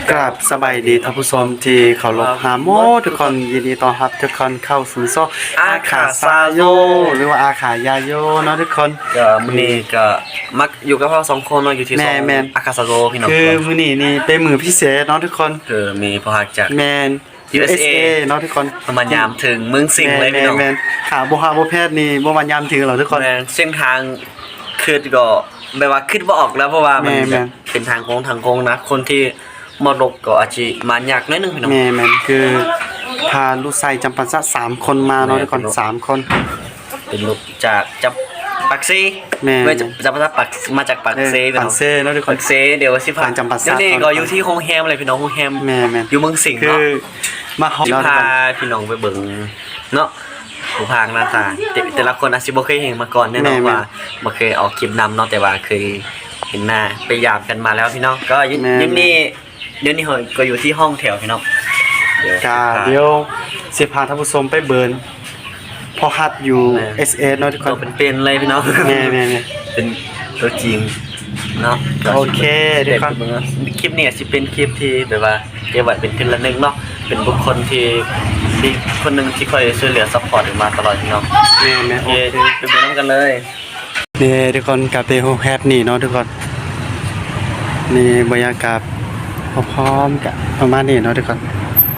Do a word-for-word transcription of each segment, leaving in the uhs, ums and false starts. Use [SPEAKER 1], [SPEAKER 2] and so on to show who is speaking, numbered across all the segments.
[SPEAKER 1] กราบสบายดีท่านผู้ชมที่เคารพหาโมทุกคนยินดีต้อนรับทุกคนเข้าสู่ช่องอาขาซาโยหรือว่าอาขายาโยเนาะทุกคน
[SPEAKER 2] ก็มื้อนี้ก็มักอยู่กับเราสองคนเนาะอยู่ที่สองอาคาซาโซพี่น้อง
[SPEAKER 1] คือมื้อนี้นี่เป็นมื้อพิเศษเนาะทุกคน
[SPEAKER 2] คือมีผู้ฮักจาก
[SPEAKER 1] แมน
[SPEAKER 2] ยู เอส เอ
[SPEAKER 1] เนาะทุกคน
[SPEAKER 2] ประมาณยามถึงเมืองสิงห์เลยพี่น้อง
[SPEAKER 1] แม่นๆขาบ่ฮาบ่แพทย์นี่บ่มายามถึงหรอกทุกคน
[SPEAKER 2] แม่นเส้นทางคือก็แบบว่าคิดบ่ออกแล้วเพราะว่ามันเป็นทางโค้งทางโค้งนะคนที่มารบก็อาจจะมายากนิดนึงพี่น้อง
[SPEAKER 1] แม่นๆคือพาลูกชายจำปาสักสามคนมาเนาะทุกคนสามคน
[SPEAKER 2] เป็นลูกจากจับปักซี
[SPEAKER 1] แม่
[SPEAKER 2] นจับปาสักปักมาจากปักซี
[SPEAKER 1] พี่น้องปักซีเนาะทุกคน
[SPEAKER 2] ปักซีเดี๋ยวสิพา
[SPEAKER 1] จำปาสัก
[SPEAKER 2] นี่ก็อยู่ที่โฮงแฮมเลยพี่น้องโฮงแฮม
[SPEAKER 1] แม่ๆ
[SPEAKER 2] อยู่เมืองสิงห์เนาะ
[SPEAKER 1] คือมาเฮา
[SPEAKER 2] พาพี่น้องไปเบิ่งเนาะผู้พากหน้าตาแต่ละคนอาจจะบ่เคยเห็นมาก่อนแน่นอนว่าบ่เคยออกคลิปนำเนาะแต่ว่าเคยเห็นหน้าไปยามกันมาแล้วพี่น้องก็ยินนี่เดี๋ยวนี้เฮาก็อยู่ที่ห้องแถวพี่น้อง
[SPEAKER 1] กาเดี๋ยวสิพาท่านผู้ชมไปเบิ่งพอฮัดอยู่ เอส เอ เนาะทุกคน
[SPEAKER 2] เป็นๆเลยพี่น้อง
[SPEAKER 1] แม่ๆ
[SPEAKER 2] ๆเป็นตัวจริงเนาะ
[SPEAKER 1] โอเคทุกคน
[SPEAKER 2] คลิปนี้สิเป็นคลิปที่แบบว่าเก็บไว้เป็นทีละนึงเนาะเป็นบุคคลที่ที่คนนึงที่คอยช่วยเหลือซัพพอร์ตมาตลอดพี่น้อง
[SPEAKER 1] แม่ๆโอเค
[SPEAKER 2] ไปเบิ่งนำกันเลย
[SPEAKER 1] นี่ทุกคนกับเตโฮแฮปนี่เนาะทุกคนนี่บรรยากาศพร้อมๆกับประมาณนี้เนาะทุกคน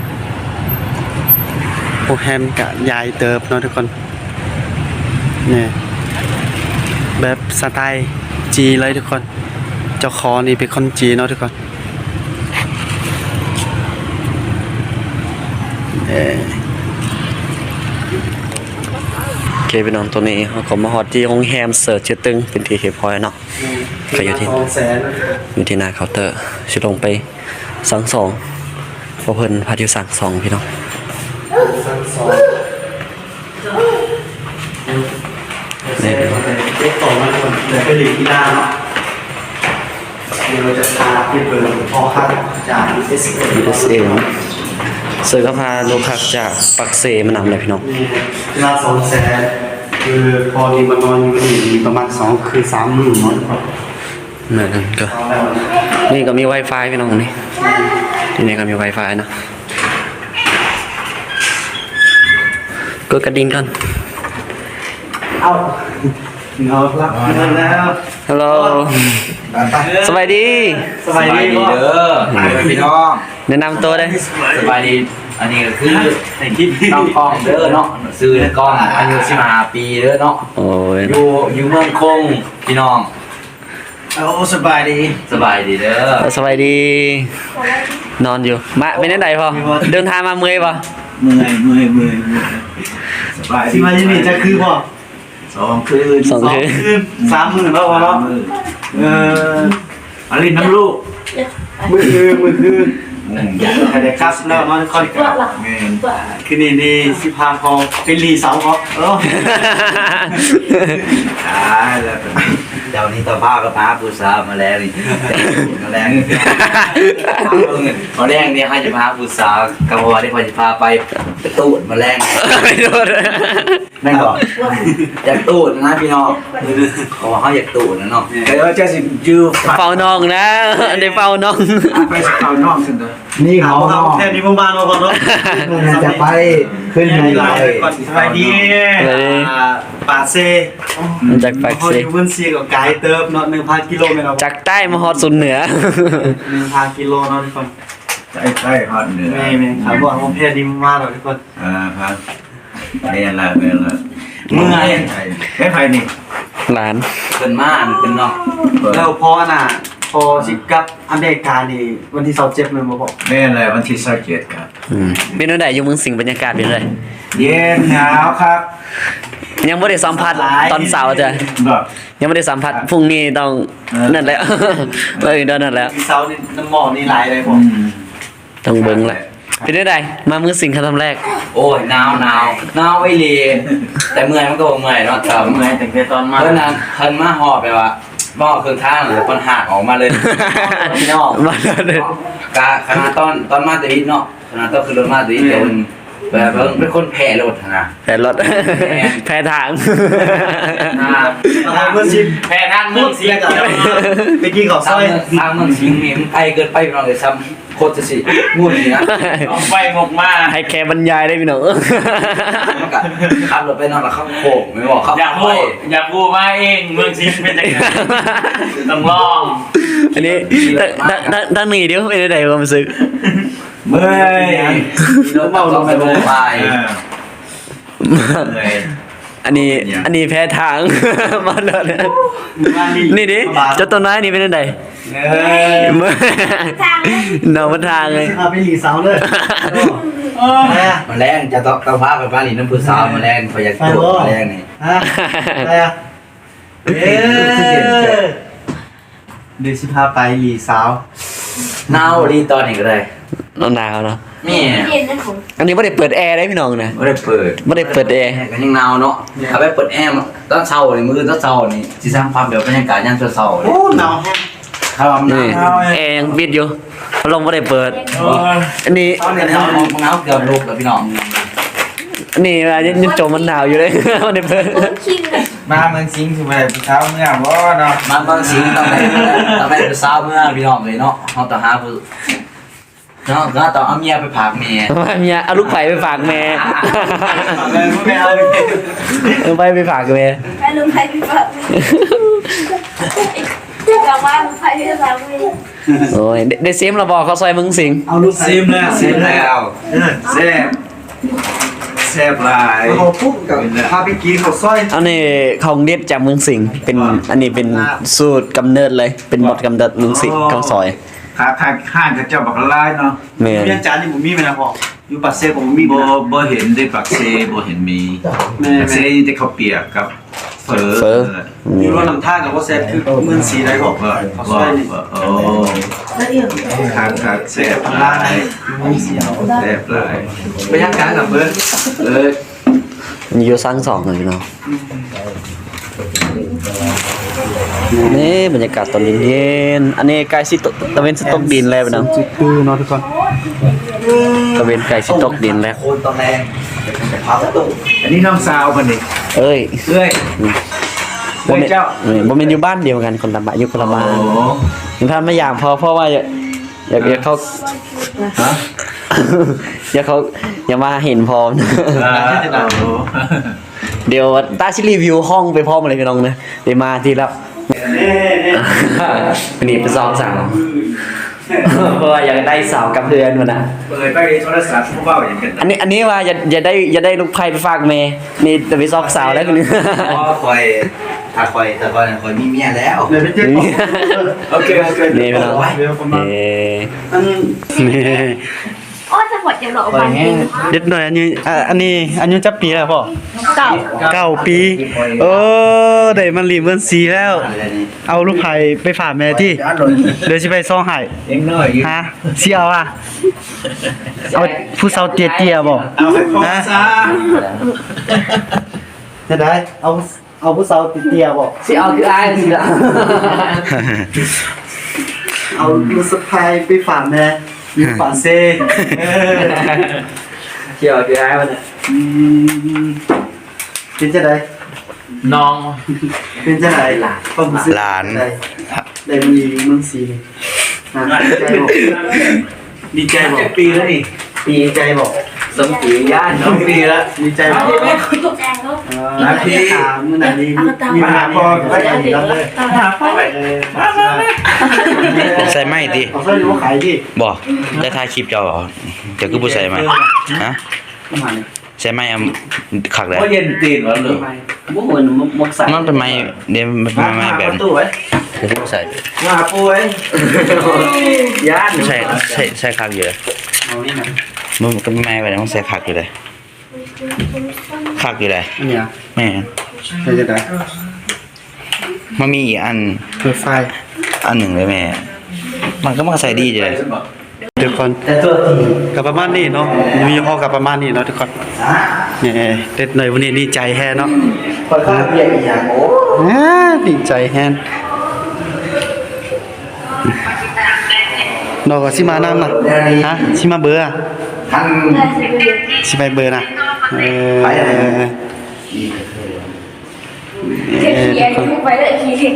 [SPEAKER 1] โฮแฮมกับยายเติบเนาะทุกคนนี่แบบสไตล์จีเลยทุกคนเจ้าของนี่เป็นคนจีเนาะทุกคนเออ
[SPEAKER 2] โอเคพี่น้องตัวนี้เขาก็มาฮอตที่โรงแรมเสิร์ชชื่อตึงเป็นที่เก็บพอยเนาะก็อยู่ที่อยู่ที่หน้าเคาน์เตอร์สิลงไปสั่งสองเพราะเพิ่นพาอยู่สั่งสองพี่น้อง
[SPEAKER 1] สั่งสองนี่เด็กต่อมาคนเดี๋ยวไปหลีกที่หน้าเนาะเดี๋ยวเราจะพาไปเบิ่งพอคักจาก เอส เอ
[SPEAKER 2] เอส เอ เสิร์ฟก็พาลูกค้าจากปักเซมานำเลยพี่น้อง
[SPEAKER 1] เวลาสองแสนคือพอดีมานอนอยู่นี่ประมาณสองคือสามหมื่นเนาะ
[SPEAKER 2] เหมือนกันก็นี่ก็มี Wi-Fi พี่น้องนี่ที่นี่ก็มี Wi-Fi นะกดกระดิ่งกัน
[SPEAKER 1] เอาเอาละแล้ว
[SPEAKER 2] ฮัลโหลสบายดี
[SPEAKER 1] สบายดี
[SPEAKER 3] เด้อพี่น้อง
[SPEAKER 2] แนะนำตัวได้
[SPEAKER 3] สบายดีอันนี้ก็คือในคลิปน้องกองเด้อเนาะซื้อกองอายุสิบห้าปีเด้อเนาะ
[SPEAKER 2] โอ้ย
[SPEAKER 3] อยู่อยู่เมืองคงพี่น้อง
[SPEAKER 1] โอ้สบายดี
[SPEAKER 3] สบายดีเด้อ
[SPEAKER 2] สบายดีนอนอยู่มาเป็นยังไงพอเดินทางมาเมื่อยป่ะ
[SPEAKER 1] เมื่อยเมื่อยเมื่อยสบายที่มาที่นี่จะคือป่ะ
[SPEAKER 3] สองคืน
[SPEAKER 2] สองคืน
[SPEAKER 1] สามหมื่นแล้วเนาะเออ
[SPEAKER 3] อลินน้ำลูก
[SPEAKER 1] มือคือมือคือแต่ครับแล้วมันค่อยกับคือนี่นี่สิพาพอเป็นรีเสาเขาเออ
[SPEAKER 3] ตายแล้วเจ้านี่ต่อผ้าก็พาผู้สาวมาแล้วนี่มาแรงมาแรงเนี่ยให้จะพาผู้สาวกบฏที่พอจะพาไปไปตูดมาแรงแม่งก่อนอยากตูดนะพี่น้องเขาบอกเขาอยากตูดนะเนาะแต่ว่าจะสิยืม
[SPEAKER 2] เฝ้าน้องนะได้เฝ้าน้อง
[SPEAKER 1] ไปเฝ้าน้องสินี่เขาแค่นี้ประมาณว่าก่อนเนาะ
[SPEAKER 3] จะไปขึ้นในไลน์
[SPEAKER 1] สบายดีปาเซ่
[SPEAKER 2] จากปากเซ่
[SPEAKER 1] พื้นที่กับไกด์เติมเนาะหนึ่งพันกิโลเมตร
[SPEAKER 2] จากใต้มาฮอดสุดเหนือ
[SPEAKER 1] หนึ่งพันกิโลเนาะทุกคน
[SPEAKER 3] ใต้ใต้ฮอดเหนือ
[SPEAKER 1] ไม่ไม่ครับบอกผมเพลียดีมากเลยทุกคน
[SPEAKER 3] อ่าครับไม่อะไรไม่อะไร
[SPEAKER 1] เมื่อย
[SPEAKER 3] ไม่ไปนี่
[SPEAKER 2] หลาน
[SPEAKER 3] เป็นม่านเป็นเนาะ
[SPEAKER 1] แล้วพอน่ะพอสิกับอเมริกานี่วันที่สองเจ็ดมันมาบอก
[SPEAKER 3] ไม่อะไรวันที่สองเจ็ดครับ
[SPEAKER 2] เป็นวันไหนอยู่เมืองสิงห์บรรยากาศเป็นไร
[SPEAKER 3] เย็นหนาวครับ
[SPEAKER 2] ยังไม่ได้สัมผัสตอนเสาร์จ้ะยังไม่ได้สัมผัสพรุ่งนี้ต้องนั่นแหละเออเดินนั่นแล้ว
[SPEAKER 1] เสาร์นี่น้ำหมอกนี่ไหลเลยผม
[SPEAKER 2] ต้องเบิ้งแหละเป็นได้ไงมาเมืองสิงห์ครั้งแรก
[SPEAKER 3] โอ้ยหนาวหนาวหนาวไอ้ลีแต่เมื่อยมันก็เมื่อยเนาะแต่
[SPEAKER 1] เมื่อยแต่แค่ตอนมา
[SPEAKER 3] เพราะนั้นทันมาหอบไปว่ะหม้อเครื่องท่าเลยคนหักออกมาเลยพี่น้อง
[SPEAKER 2] มาเลย
[SPEAKER 3] กะขนาดตอนตอนมาตีเนาะขนาดตอนคือรถมาตีเดี๋ยวมันแบบเป็นคนแพ้รถนะ
[SPEAKER 2] แพ้รถ แพ้ทาง
[SPEAKER 4] เมืองชิมแพ้ทางเมืองชิมไปกินของซ
[SPEAKER 3] ทา
[SPEAKER 4] อง ย
[SPEAKER 3] ทางเมืองสิงห์นี่มันไกลเกินไปพี่น้องเลยซ้ำโคตรจะสิงูนี่นะ
[SPEAKER 4] เอาไปหมกมา
[SPEAKER 2] ให้แค่บรรยายได้พี่น้อง
[SPEAKER 3] มันก็ขับรถไปนอนแล้วเข้าโค้งไม่บอกเข้า
[SPEAKER 4] อยาก
[SPEAKER 3] ไป
[SPEAKER 4] พูดอยากพูดมาเองเมืองชิมเป็นยังไงต้องลอง
[SPEAKER 2] อันนี้ตั้งตั้งตั้งนี่เดี๋ยวไม่ได้ไหนความรู้สึก
[SPEAKER 3] เมื่อยรถเมาลงไปลงไป
[SPEAKER 2] อันนี้อันนี้แพ้ทาง มาเลยนี่ดิเจ้าต้นไม้นี่เป็นยังไง
[SPEAKER 3] เฮ้ย
[SPEAKER 2] เนามันทางเลย
[SPEAKER 4] ไปหลีสาวเลย
[SPEAKER 3] มาแรงจะต้องต้องพาไปบ้านหลีน้ำพุสาวมาแรงพอยากตัวมาแรงนี่
[SPEAKER 4] ฮะอะไรอ่ะเอ๊ะเดี๋ยวสิพาไปหลีสาว
[SPEAKER 3] หนาวรีตอนนี้ก็ได้
[SPEAKER 2] หนาวเนาะ
[SPEAKER 3] แม่
[SPEAKER 2] อันนี้ไม่ได้เปิดแอร์ได้พี่น้องนะ
[SPEAKER 3] ไม่ได้เปิด
[SPEAKER 2] ไม่ได้เปิดแอร์
[SPEAKER 3] ก็ยังหนาวเนาะถ้าไปเปิดแอร์ตอนเช้านี่มื้อตอนเช้านี่สิสร้างความเดี๋ยวบรรยากาศยามเช้าๆ
[SPEAKER 4] โอ้หนาวแห้ง
[SPEAKER 3] ถ้าว่ามันห
[SPEAKER 2] นี่
[SPEAKER 3] นาว
[SPEAKER 2] แอร์ยังปิดอยู่พัดลมไม่ได้เปิด อันนี้
[SPEAKER 3] ตอนนี้หนาวหนาวเกือบโลกแล้วพี่น้อง
[SPEAKER 2] อันนี้ว่ายังยังจมมันหนาวอยู่เลย ไม่ได้เปิด
[SPEAKER 4] มาเมืองสิงห์สิไปผู้สาวเมื่อบ่เนาะ
[SPEAKER 3] มันบางสิ่งต้องได้ต้องได้ไปสาวเมื่อพี่น้องเลยเนาะเฮาต้องหาผู้เนาะก็ต้องเอาเมียไปผากเมีย
[SPEAKER 2] ว่าเมียเอาลูกไผ่ไปฝากแม่
[SPEAKER 4] เลยไม่เอาเลย
[SPEAKER 2] เอาไปไปฝากแม่
[SPEAKER 5] แม่ลุงไทยพี่ฝากกลับบ้านลุงไทยพี่ฝากไม่
[SPEAKER 2] โอ้ยได้ได้เซมเราบอกเขาซอยมึงสิง
[SPEAKER 4] เอาลูก
[SPEAKER 3] ซิมแล้วซิมแล้วแซ่บแซ่บหลาย
[SPEAKER 4] เขาปุ๊บกับพาไปกินข้าวซอย
[SPEAKER 2] อันนี้ของเด็ดจากเมืองสิงห์เป็นอันนี้เป็นสูตรกำเนิดเลย เป็นหมดกำเนิดเมืองสิงห์ข้าวซอย
[SPEAKER 6] ขาขาข้างกับเจ้าบักลายเนาะ
[SPEAKER 2] แม่น
[SPEAKER 4] เมียจานนี่ผมมีไหมนะพ่ออยู่ปัสเซ่ผมมี
[SPEAKER 6] บ่บ่เห็นได้ปักเซบ่เห็นมีปักเซนี่ได้ข้าวเปียกกับเฟอ
[SPEAKER 2] เฟอ
[SPEAKER 4] อยู่รถน้ำท่ากับว่าแซ่บคือเมืองสีได้บอก
[SPEAKER 6] ว่า
[SPEAKER 4] ข้าวซ
[SPEAKER 6] ว่า
[SPEAKER 4] อยนี่
[SPEAKER 6] โอ้ขาขาแซ่บหลายแซ่บหลาย
[SPEAKER 3] ไปย่างกันกับเบิร์ดเออ
[SPEAKER 2] มีอยู่สร้างสองเลยเนาะนี่บรรยากาศตอนเย็นๆอันนี้ไก่สิตกตะเวนสิตกดินแล้วนะ
[SPEAKER 1] จุดคือเนาะทุกคน
[SPEAKER 2] ตะเวนไก่สิตกดินแล้ว
[SPEAKER 3] โคนตอนแรงพาประตู
[SPEAKER 6] อันนี้น้องสาวเพิ่นนี่
[SPEAKER 2] เอ้ย
[SPEAKER 3] เอ้ย
[SPEAKER 2] บ่แม่นบ่แม่นอยู่บ้านเดียวกันคนละบ้านอยู่คนละบ้าน
[SPEAKER 6] โอ้
[SPEAKER 2] ยังท่านไม่อยากพอเพราะว่าอยากอยากอยากเขา
[SPEAKER 3] ฮะ
[SPEAKER 2] อยากเขาอย่ามาเห็นพร้อมนะ
[SPEAKER 6] อ่าโอ้
[SPEAKER 2] เดี๋ยวตาชิรีวิวห้องไปพร้อมอะไรพี่น้องนะเดี๋ยวมาทีละวันนี้เป็นสองสาวเพราะว่าอยากได้สาวกับเพื่อนมันนะ
[SPEAKER 6] เปิดไปโทรศัพท์ผู้เว้าอย่างกัน
[SPEAKER 2] อันนี้อันนี้ว่าอย่าอย่าได้อย่าได้ลูกไผ่ไปฝากเมย์นี่จะไปซอกสาวแล้วคนนี้
[SPEAKER 3] เพราะคอยถ้าคอยแต่คอยคอยมีเมียแล้ว
[SPEAKER 4] เลยไปเจ๊ก่อนโอเคโอเค
[SPEAKER 2] นี่พี่น้อง
[SPEAKER 4] เดี๋ยวคนมา
[SPEAKER 2] เอ๊ะ
[SPEAKER 4] อัน
[SPEAKER 1] นี่
[SPEAKER 5] โอ้จะหมดจะหลอกไป
[SPEAKER 1] เด็ดหน่อยอันนี้อ่ะอันนี้อันนี้จับปีแล้วพ่อ
[SPEAKER 5] เก่า
[SPEAKER 1] เก้าปีเออได้มันรีเมือนสีแล้ว เอาลูกไผ่ไปฝากแม่ที่เดี๋ยวสิไปซ่องไห้
[SPEAKER 6] เองน้อยอยู่
[SPEAKER 1] ฮะสิเอาอ่ะเอาผู้สาวเตี้ยๆบ่
[SPEAKER 6] เอาให้พ่อซะ
[SPEAKER 4] จะได้เอาเอาผู้สาวติดเตียบอก
[SPEAKER 2] สิเอาคืออายสิละ
[SPEAKER 4] เอาลูกสะพายไปฝากแม่อยู่ฝากเซ่เออ
[SPEAKER 2] เกี่ยวคืออายมัน
[SPEAKER 4] อืมเป็นจะได้น้องเป็นจะได้ต้องซื้อ
[SPEAKER 1] หลาน
[SPEAKER 4] ได้ได้มันอยู่เมืองซีนี่อ่ะดีใจบอกดีใจบอก
[SPEAKER 3] ปีแล้วนี่
[SPEAKER 4] ปีใจบอก
[SPEAKER 3] สมปีย่านน้องปีแล้ว
[SPEAKER 4] ดีใจบอก
[SPEAKER 5] แม่คุณตกแดงแล้ว
[SPEAKER 4] นาทีถามมื่อไหร่นี้มีมาพอก็ได้แล้วเลย
[SPEAKER 7] ใส่ไหมดิ
[SPEAKER 4] เอาใส่รู้ขายดิ
[SPEAKER 7] บอกได้ถ่ายคลิปเจ้าเหรอเดี๋ยวคือผู้ใส่ไหมฮะ
[SPEAKER 4] ประมาณนี้
[SPEAKER 7] ใส่ไหมอ่ะขักเลย
[SPEAKER 3] เพราะเย็นตีนวะหรือ
[SPEAKER 2] มุกเหมือนมุกใส่
[SPEAKER 7] มันเป็นไม้เดี๋ยวมันเป็นไม้แบบ
[SPEAKER 4] ตู้ไว้
[SPEAKER 7] เดี๋ยวคือผู้ใส่
[SPEAKER 4] มาปูไว้ย่าน
[SPEAKER 7] ใช่ใช่ใช่ขักอยู่เลย
[SPEAKER 4] เอานี่นะ
[SPEAKER 7] มันก็ไม่ไม้แบบนั้นมันใส่ขักอยู่เลยขักอยู่เลย
[SPEAKER 4] อันเนี้ย
[SPEAKER 7] แม่น
[SPEAKER 4] ใช่จะได้
[SPEAKER 7] มันมีอีกอัน
[SPEAKER 4] เปิดไฟ
[SPEAKER 7] อันหนึ่งเลยแม่ มันก็มันก็ใส่ดีอยู่เลย
[SPEAKER 1] ทุกคน
[SPEAKER 4] แต่ตัวที
[SPEAKER 1] กับประมาณนี้เนาะมีห้อกับประมาณนี้เนาะทุกคนนี่เด็ดหน่อยวันนี้ดีใจแฮเนาะ
[SPEAKER 4] คอยข้าวเบียร์อีกอย่างโอ้
[SPEAKER 1] อ่าดีใจแฮนนอกก็สิมานำน่ะฮะสิมาเบื่อ
[SPEAKER 3] หาทั้ง
[SPEAKER 1] สิไปเบอร์นะเออ
[SPEAKER 3] ไปอะไร
[SPEAKER 1] เออ
[SPEAKER 5] เขียนเขียนไปเลยเขียนเขียน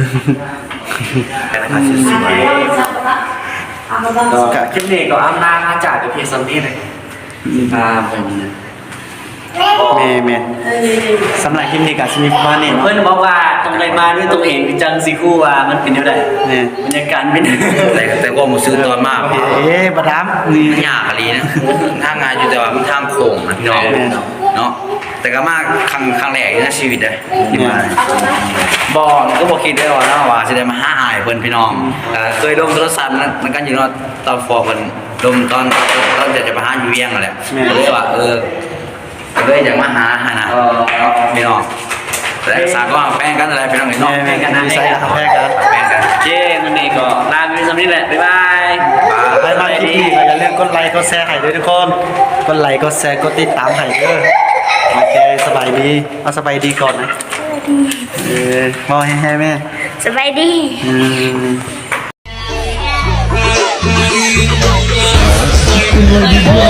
[SPEAKER 2] กันนะครับสวยๆก็คลิปนี้ก็อ้ำลาอาจารย์กับเพียซัมนี่เลย
[SPEAKER 3] พาไปนะ
[SPEAKER 1] แม่แม่สำหรับคลิปนี้ก็สิมีประมาณนี้
[SPEAKER 2] เพื่อนบอกว่าต้องเลยมาด้วยตัวเองจังสิคู่ว่ามันเป็นยังไง
[SPEAKER 1] แม่
[SPEAKER 2] บรรยากาศเป็น
[SPEAKER 7] แต่แต่ว่าผมซื้อตอนมาก
[SPEAKER 1] เอ๊ะบ่ถามนี่
[SPEAKER 7] มันยากอะไรนะทางงานอยู่แต่ว่ามันทางโค้งนะพี่น้องเนาะแต่ก็มากครั้งครั้งแรกในชีวิตเลยที่มาบอกก็บอกคิดได้ว่าเนาะว่าจะได้มาหาอายเพิ่นพี่น้องเอ่อเคยลงโทรศัพท์นะมันกันอยู่เนาะตอนฟอร์เพิ่นลงตอนตอนจะจะมาหาอยู่เวียงนั่นแหละก็เลยว่าเออก็เลยอยากมาหาหานะเนาะพี่น้องแต่สากก็แป้งกันอะไรพี่น้องเนาะ
[SPEAKER 1] แม่แม่กันนะใส่แพ้กัน
[SPEAKER 7] แป้งกัน
[SPEAKER 2] เจ้มันนี่ก็ลาไปซัมนี่แหละบ๊ายบาย
[SPEAKER 1] ไปมาคลิปนี้ก็อย่าลืมกดไลค์กดแชร์ให้ด้วยทุกคนกดไลค์กดแชร์กดติดตามให้เด้อโอเคสบายดีเอาสบายดีก่อนนะเออมองให้แม่
[SPEAKER 5] สบายดี
[SPEAKER 1] อืม
[SPEAKER 8] Like